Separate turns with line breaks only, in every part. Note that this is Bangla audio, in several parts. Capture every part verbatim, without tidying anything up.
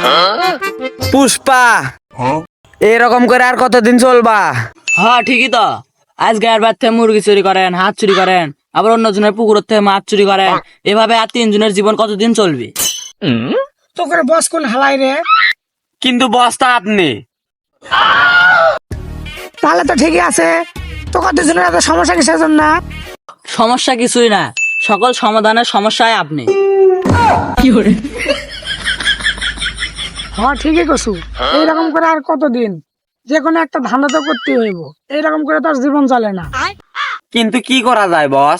পুষ্পা এরকম করে আর কতদিন চলবা?
হ্যাঁ ঠিকই তো। আজ গায়ের বাদ থেকে মুরগি চুরি করেন, হাত চুরি করেন, আবার অন্য জনের পুকুর থেকে মাছ চুরি করেন, এভাবে আর তিনজনের জীবন কতদিন চলবে?
তো করে বস কোন হালাই রে?
কিন্তু বসটা আপনি।
তাহলে তো ঠিকই আছে। তো কতজনের এত সমস্যা কিসের জন্য?
সমস্যা কিছুই না, সকল সমাধানের সমস্যায় আপনি। কি করে?
হ্যাঁ ঠিকই কছু। এইরকম করে আর কতদিন? যে কোনো একটা ধান্দা তো করতে হইব, এইরকম করে তো আর জীবন চলে না।
কিন্তু কি করা যায় বস?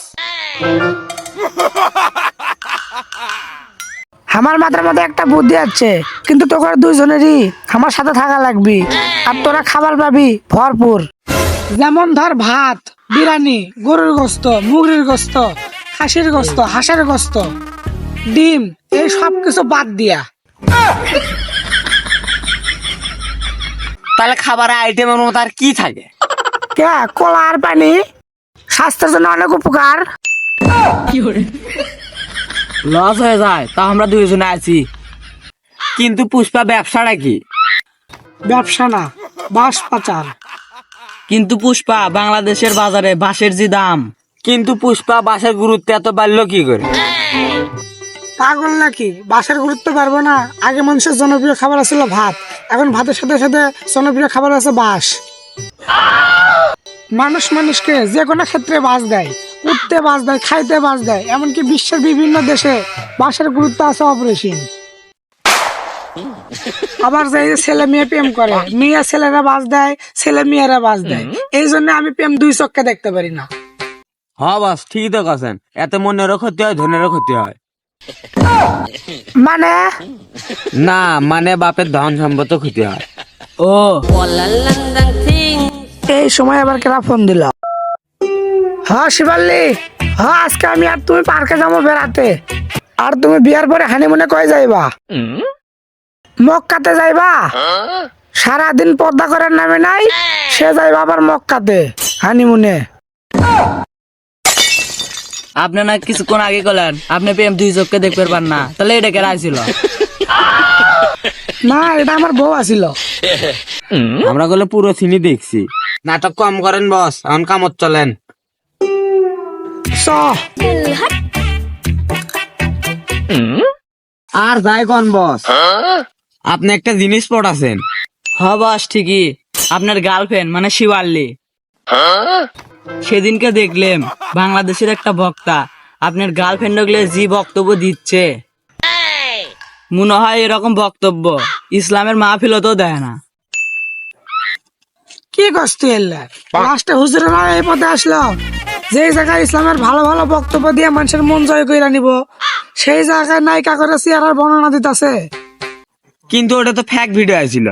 আমার মাথার মধ্যে একটা বুদ্ধি আছে, কিন্তু তোকে দুইজনেরই আমার সাথে থাকা লাগবে, আর তোরা খাবার পাবি ভরপুর। যেমন ধর ভাত, বিরিয়ানি, গরুর গোস্ত, মুরগির গোস্ত, খাসির গোস্ত, হাঁসের গোস্ত, ডিম, এই সব কিছু বাদ দিয়া।
তাহলে খাবারের আইটেমের মতো আর কি থাকে?
কে কলা আর পানি, স্বাস্থ্যের জন্য অনেক উপকার।
কি করে? লস হয়ে যায়, তা আমরা দুইজনে আছি।
কিন্তু পুষ্পা ব্যবসাটা কি?
ব্যবসা না, বাঁশ পাচার।
কিন্তু পুষ্পা বাংলাদেশের বাজারে বাঁশের যে দাম।
কিন্তু পুষ্পা বাসের গুরুত্ব এত বাড়লো কি করে?
পাগল নাকি? বাঁশের গুরুত্ব পারবো না? আগে মানুষের জনপ্রিয় খাবার ছিল ভাত, এখন ভাতের সাথে সাথে জনপ্রিয় খাবার আছে বাঁশ। মানুষ মানুষকে যে কোনো ক্ষেত্রে বাঁশ দেয়, উঠতে বাঁশ দেয়, খাইতে বাঁশ দেয়, এমনকি বিশ্বের বিভিন্ন দেশে বাঁশের গুরুত্ব আছে অপরিসীম। আবার যে ছেলে মেয়ে প্রেম করে, মেয়ে ছেলেরা বাঁশ দেয়, ছেলে মেয়েরা বাঁশ দেয়। এই জন্য আমি প্রেম দুই চোখে দেখতে পারি না।
হ্যাঁ বস ঠিকই তো কথা। এত মনেরও ক্ষতি হয়, ধনেরও ক্ষতি হয়।
মানে
না মানে বাপের ধন সম্পদ ক্ষতি হয়।
ও
এই সময় আবার কেনা ফোন দিল? হ্যাঁ শিবাল্লি, হ্যাঁ আজকে আমি আর তুমি পার্কে যাবো বেড়াতে। আর তুমি বিয়ার পরে হানিমুনে কয়ে যাইবা? মক্কাতে যাইবা? সারাদিন পর্দা করার নামে নাই, সে যাইবা আবার মক্কাতে হানিমুনে।
আপনি না কিছুক্ষণ আগে করলেন আপনি প্রেম দুই চোখকে দেখতে পারবেন না, তাহলে এটা কেরা ছিল?
না এটা আমার বউ আছিল।
আমরা গুলো পুরো সিনি দেখছি। নাটক কম করেন বস, এখন কামত চলেন।
চ
আর যাই কোন বস, আপনি একটা জিনিস পড়াছেন।
হ বস ঠিকই, আপনার গার্লফ্রেন্ড মানে শিওয়াল্লি, সেদিনকে দেখলাম বাংলাদেশের একটা বক্তা আপনার গার্লফ্রেন্ড গুলো যে বক্তব্য দিচ্ছে, মনে হয় এরকম বক্তব্য ইসলামের মাহফিলতেও দেয় না।
কি কষ্ট এলে লাস্টে হুজুরেরা এই পথে আসলো, যে জায়গায় ইসলামের ভালো ভালো বক্তব্য দিয়ে মানুষের মন জয় করে নিব, সেই জায়গায় নায়িকা করে চেয়ারের বর্ণনা দিতেছে।
কিন্তু ওটা তো ফ্যাক ভিডিও আছিল।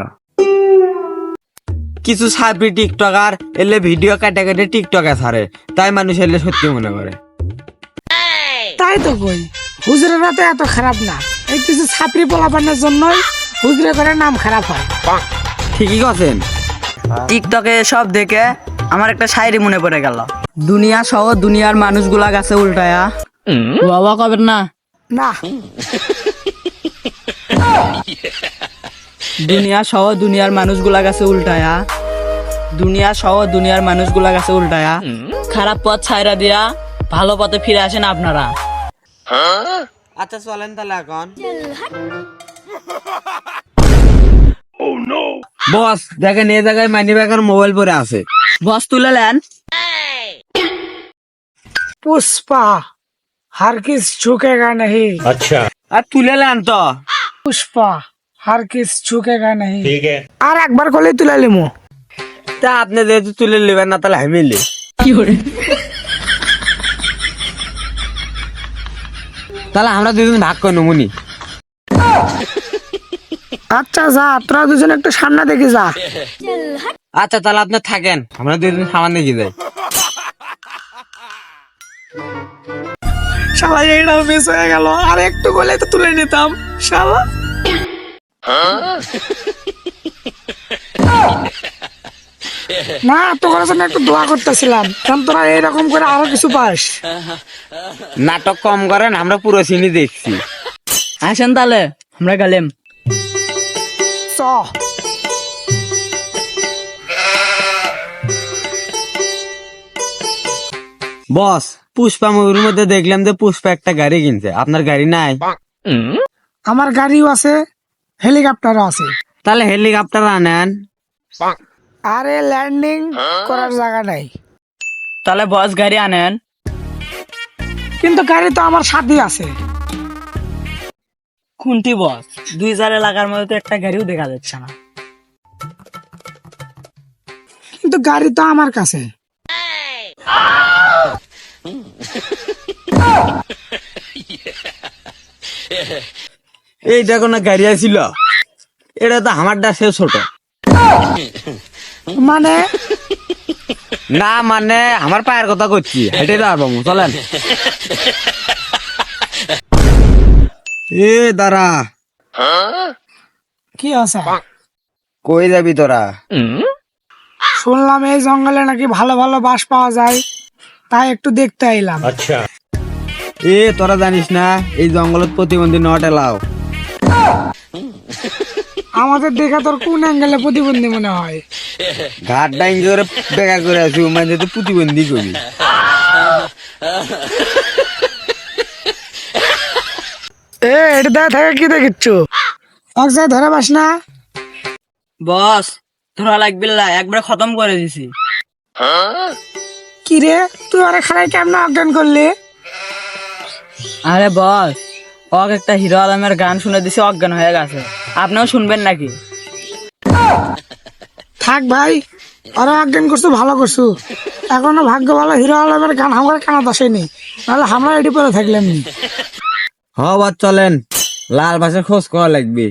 কিছু সাপি টিকটকার এলে ভিডিও কাটে কাটে টিকটকে ছাড়ে, তাই মানুষ এলে সত্যি মনে করে।
তাই তো কই, হুজুরেরা তো এত খারাপ না, এই কিছু ছাপড়ি পোলাপানের জন্যই হুজুরে করে নাম খারাপ হয়।
ঠিকই কথা।
টিকটকে সব দেখে আমার একটা শায়রি মনে পড়ে গেল, দুনিয়া সহ দুনিয়ার মানুষগুলা গাছে উল্টায়া। বাবা কবেন না
না
দুনিয়া সহ দুনিয়ার মানুষগুলা গাছে উল্টায়া, দুনিয়া সহ দুনিয়ার মানুষগুলা গাছে উল্টায়া, খারাপ পথ ছাইরা দিয়া ভালো পথে ফিরে আসেন আপনারা।
আচ্ছা চলেন তাহলে এখন। বস দেখেন এই জায়গায় মানি ব্যাগের মোবাইল পরে আছে।
বস তুলে নেন।
পুষ্পা हर किस झुकेगा नहीं।
আচ্ছা আর তুলে নেন তো।
पुष्पा हर किस झुकेगा नहीं। ठीक है, আর একবার করলে তুলে লিমু।
তা আপনি যেহেতু তুলে নেবেন না তাহলে আমি লি।
কি করে?
তাহলে আমরা দুজন ভাগ করে নেবনি।
আচ্ছা যা, তোরা দুজন একটু সামনে দেখে যা।
আচ্ছা তাহলে আপনি থাকেন, আমরা দুজন সামনে গিয়ে যাই।
শালা এইটাও মিস হয়ে গেল, আর একটু বলে তো তুলে নিতাম শালা। না তোর জন্য একটু দোয়া করতেছিলাম, কারণ তোরা এইরকম করে আরো কিছু পাস।
নাটক কম করেন, আমরা পুরো সিনি দেখছি।
আসেন তাহলে আমরা গেলাম।
বস, পুষ্পা মুভির মধ্যে দেখলাম যে পুষ্পা একটা গাড়ি কিনছে, আপনার গাড়ি নাই?
আমার গাড়িও আছে, হেলিকপ্টারও আছে।
তাহলে হেলিকপ্টার আনেন।
আরে ল্যান্ডিং করার জায়গা নাই।
তাহলে বস গাড়ি আনেন।
কিন্তু গাড়ি তো আমার সাথেই আছে।
খুন্তি বস, দুই হাজার এলাকার মধ্যে তো একটা গাড়িও দেখা যাচ্ছে না।
কিন্তু গাড়ি তো আমার কাছে।
এই দেখো না গাড়ি আছিল, এটা তো আমার ডাসে ছোট।
মানে
না মানে আমার পায়ের কথা করছি, হেঁটে যাবো, চলেন। এ দাঁড়া,
কি আছে?
কই যাবি তোরা?
শুনলাম এই জঙ্গলে নাকি ভালো ভালো বাস পাওয়া যায়, তাই একটু দেখতে আইলাম।
এ তোরা জানিস না এই জঙ্গলত প্রতিবন্ধী নট এলাও।
আমাদের দেখা তোর কোন অ্যাঙ্গেলে প্রতিবন্ধী মনে হয়?
ঘাট ডাইন করে বেকা করে আছি, মানে তো প্রতিবন্ধী করি।
এ এটা দেখা থাকে কি দেখিচ্ছ? এক জায়গায় ধরে পাস না?
বস ধরা লাগবে না, একবার খতম করে দিছি।
কি রে, তুই আরে খারাই কেমন অজ্ঞান করলি?
আরে বস, ওক একটা হিরো আলমের গান শুনে দিছে, অজ্ঞান হয়ে গেছে। আপনিও শুনবেন নাকি?
থাক ভাই, আরে অজ্ঞান করছু, ভালো করছু। এখনো ভাগ্য ভালো হিরো আলমের গান আমার কানাত আসেনি, নাহলে আমরা এটি পরে থাকলাম নি।
হ বাদ চলেন, লাল বাসের খোঁজ করা লাগবে।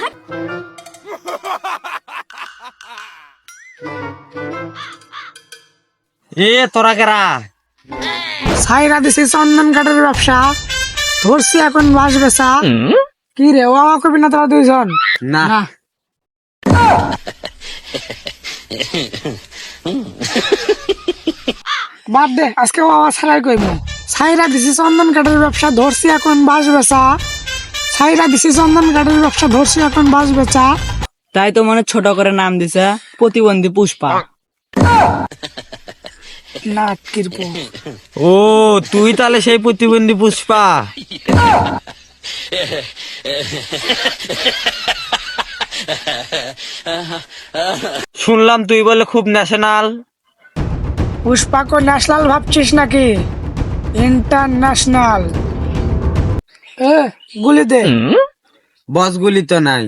এ তোরা কেরা?
সাইরা দিছি চন্দন কাঠের ব্যবসা, ধরছি এখন বাস বেচা। কি রে, ও আমার কবি না তোরা দুইজন?
না
বাদ দে, আজকে ও আমার ছাড়াই কইমু। সাইরা দিছি চন্দন কাঠের ব্যবসা, ধরছি এখন বাস বেচা। সাইরা দিছি চন্দন কাঠের ব্যবসা, ধরছি এখন বাস বেচা।
তাই তো মনে ছোট করে নাম দিছে প্রতিবন্ধী পুষ্পা।
না কিরপো,
ও তুই তাহলে সেই প্রতিবন্ধী পুষ্পা? শুনলাম তুই বলে খুব ন্যাশনাল।
পুষ্পাকে ন্যাশনাল ভাবছিস নাকি? ইন্টারন্যাশনাল। এ গুলি দে।
বস গুলি তো নাই।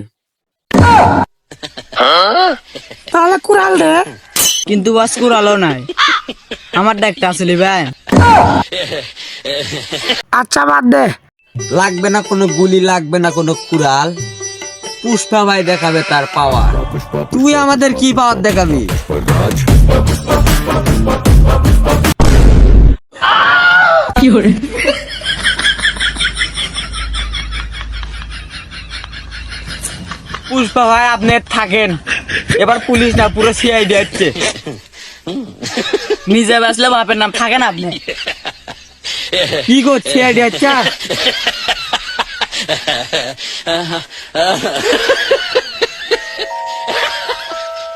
তাহলে কুড়াল দে।
কিন্তু বস কুড়ালো নাই, আমার ডাকটা আসলি ভাই।
আচ্ছা বাদ দে,
লাগবে না কোনো গুলি, লাগবে না কোনো কুড়াল। পুষ্পা ভাই দেখাবে তার পাওয়ার, তুই আমাদের কি পাওয়ার দেখাবি?
কি করে?
পুষ্পা ভাই আপনি থাকেন, এবার পুলিশ না পুরো সিআইডি আসছে।
নিজে বাসলে বাপের নাম থাকেন আপনি।
কি করছে সিআইডি আসছে?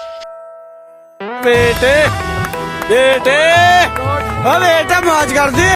बेटे बेटे अब बेटा मौज कर दे।